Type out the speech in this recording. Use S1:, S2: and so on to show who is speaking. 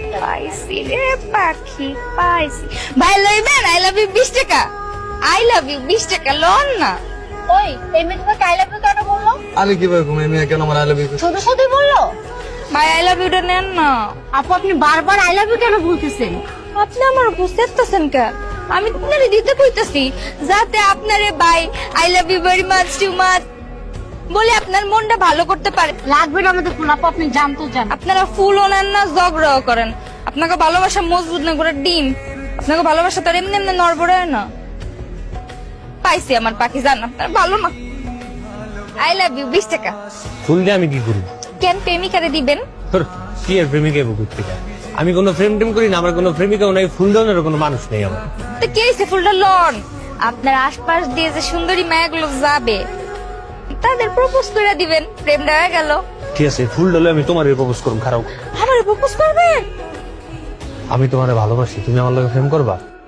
S1: পাইছি রে পাখি পাইছি। ভাই লইবেন আই লাভ ইউ 20 টাকা। আই লাভ ইউ 20 টাকা লোন না।
S2: ওই এই মেয়ে তোমাকে আই লাভ ইউ কেন বললো?
S3: আমি কিভাবে ঘুমাই মেয়ে কেন আমার আই লাভ ইউ?
S2: শুধু শুধু বললো?
S1: ভাই আই লাভ ইউটা নেন না।
S2: আপু আপনি বারবার আই লাভ ইউ কেন বলতেছেন?
S1: আপনি আমার বুঝতেছেন কেন? আমি আপনারে দিতে কইতাছি যাতে আপনারে ভাই I love you very much too much বলে আপনার মনটা ভালো করতে পারে।
S2: লাগবে না আমাদের ফুল আপু, আপনি জানতো জান।
S1: আপনারা ফুলও নেন না, ঝগড়াও করেন। আপনাকে ভালোবাসা মজবুত না করে ডিম। আপনাকে ভালোবাসা তো আর এমনি এমনি নড়বড়ে হয় না। পাইছি আমার পাখি, জান আপনার ভালো না। আই লাভ ইউ 20 টাকা।
S4: ফুল দিয়ে আমি কি করি?
S1: কেন প্রেমিকারে দিবেন?
S4: তোর কি আর প্রেমিকা বুকুর থেকে? আমি কোনো প্রেম টেম করি না, আমার কোনো প্রেমিকাও নাই, ফুল দেওয়ার কোনো মানুষ নেই আমার।
S1: তো কে হইছে ফুলটা লন? আপনার আশপাশ দিয়ে যে সুন্দরী মায়াগুলো যাবে তাদের প্রপোজ করে দিবেন, প্রেমটা হয়ে গেল।
S4: ঠিক আছে, ফুল ডলে আমি তোমার প্রপোজ করব। খারাপ,
S1: আমারে প্রপোজ করবেন?
S4: আমি তোমারে ভালোবাসি, তুমি আমার লগে প্রেম করবা?